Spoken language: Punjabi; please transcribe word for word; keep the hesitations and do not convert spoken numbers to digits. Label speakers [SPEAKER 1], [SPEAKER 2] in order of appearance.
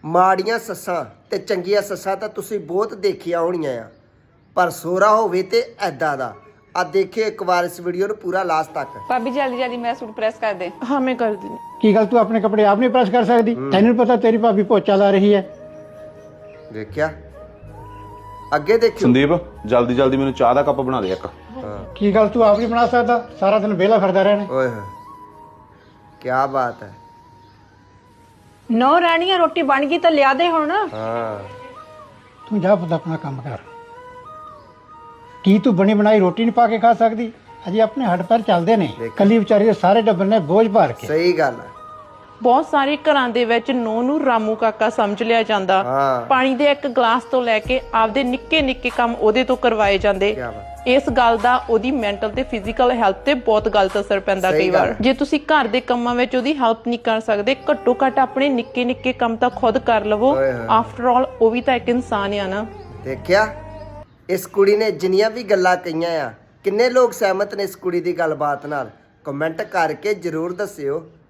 [SPEAKER 1] ਮਾੜੀਆਂ ਸੱਸਾਂ ਤੇ ਚੰਗੀਆਂ ਸੱਸਾਂ ਤਾਂ ਤੁਸੀਂ ਬਹੁਤ ਦੇਖੀਆਂ ਹੋਣੀਆਂ ਆ, ਪਰ ਸੋਹਰਾ ਹੋਵੇ ਤੇ ਐਦਾਂ ਦਾ। ਆ ਦੇਖਿਓ ਇੱਕ ਵਾਰ ਇਸ ਵੀਡੀਓ ਨੂੰ ਪੂਰਾ ਲਾਸਟ ਤੱਕ।
[SPEAKER 2] ਭਾਬੀ ਜਲਦੀ ਜਲਦੀ ਮੇਰਾ ਸੂਟ ਪ੍ਰੈਸ ਕਰ ਦੇ।
[SPEAKER 3] हाँ मैं कर दी।
[SPEAKER 4] ਕੀ ਗੱਲ ਤੂੰ ਆਪਣੇ ਕੱਪੜੇ ਆਪ ਨਹੀਂ ਪ੍ਰੈਸ ਕਰ ਸਕਦੀ? ਤੈਨੂੰ ਪਤਾ ਤੇਰੀ ਭਾਬੀ ਪੋਚਾ ਲਾ ਰਹੀ ਹੈ।
[SPEAKER 1] ਦੇਖਿਆ, ਅੱਗੇ ਦੇਖਿਓ।
[SPEAKER 5] ਸੰਦੀਪ ਜਲਦੀ ਜਲਦੀ ਮੈਨੂੰ ਚਾਹ ਦਾ ਕੱਪ ਬਣਾ ਦੇ ਇੱਕ।
[SPEAKER 1] ਹਾਂ,
[SPEAKER 4] ਕੀ ਗੱਲ ਤੂੰ ਆਪ ਨਹੀਂ ਬਣਾ ਸਕਦਾ? ਸਾਰਾ ਦਿਨ ਵਿਹਲਾ ਫਿਰਦਾ ਰਹਿਣਾ।
[SPEAKER 1] ਓਏ ਹੋਏ ਕੀ ਬਾਤ ਹੈ।
[SPEAKER 3] नौ रानियां रोटी बन गई तो लिया दे हुण।
[SPEAKER 1] ਹਾਂ
[SPEAKER 4] ਤੂੰ ਜਾ ਪੁੱਤ ਆਪਣਾ ਕੰਮ ਕਰ। ਕੀ ਤੂੰ ਬਣੀ ਬਣਾਈ ਰੋਟੀ ਨਹੀਂ ਪਾ ਕੇ ਖਾ ਸਕਦੀ? ਅਜੇ ਆਪਣੇ ਹੱਡ ਪੈਰ ਚੱਲਦੇ ਨੇ। ਕੱਲੀ ਵਿਚਾਰੀ ਦੇ ਸਾਰੇ ਟੱਬਰ ਨੇ ਬੋਝ ਭਾਰ ਕੇ।
[SPEAKER 1] ਸਹੀ ਗੱਲ ਹੈ।
[SPEAKER 6] ਬਹੁਤ ਸਾਰੇ ਘਰਾਂ ਦੇ ਵਿੱਚ ਨੂੰਹ ਨੂੰ ਰਾਮੂ ਕਾਕਾ ਸਮਝ ਲਿਆ ਜਾਂਦਾ।
[SPEAKER 1] ਹਾਂ
[SPEAKER 6] ਪਾਣੀ ਦੇ ਇੱਕ ਗਲਾਸ ਤੋਂ ਲੈ ਕੇ ਆਪਦੇ ਨਿੱਕੇ ਨਿੱਕੇ ਕੰਮ ਉਹਦੇ ਤੋਂ ਕਰਵਾਏ ਜਾਂਦੇ।
[SPEAKER 1] ਕੀ ਬਾਤ।
[SPEAKER 6] ਇਸ ਗੱਲ ਦਾ ਉਹਦੀ ਮੈਂਟਲ ਤੇ ਫਿਜ਼ੀਕਲ ਹੈਲਥ ਤੇ ਬਹੁਤ ਗਲਤ ਅਸਰ ਪੈਂਦਾ
[SPEAKER 1] ਸਹੀ
[SPEAKER 6] ਕਈ
[SPEAKER 1] ਗੱਲ
[SPEAKER 6] ਵਾਰ। ਜੇ ਤੁਸੀਂ ਘਰ ਦੇ ਕੰਮਾਂ ਵਿੱਚ ਉਹਦੀ ਹੈਲਪ ਨਹੀਂ ਕਰ ਸਕਦੇ, ਘੱਟੋ ਘੱਟ ਆਪਣੇ ਨਿੱਕੇ ਨਿੱਕੇ ਕੰਮ ਤਾਂ ਖੁਦ ਕਰ ਲਵੋ।
[SPEAKER 1] ਓਏ ਹੋਏ।
[SPEAKER 6] ਆਫਟਰ ਆਲ ਉਹ ਵੀ ਤਾਂ ਇੱਕ ਇਨਸਾਨ ਆ ਨਾ।
[SPEAKER 1] ਦੇਖਿਆ, ਇਸ ਕੁੜੀ ਨੇ ਜਿੰਨੀਆਂ ਵੀ ਗੱਲਾਂ ਕਹੀਆਂ ਆ, ਕਿੰਨੇ ਲੋਕ ਸਹਿਮਤ ਨੇ ਇਸ ਕੁੜੀ ਦੀ ਗੱਲਬਾਤ ਨਾਲ? ਕਮੈਂਟ ਕਰਕੇ ਜ਼ਰੂਰ ਦੱਸਿਓ।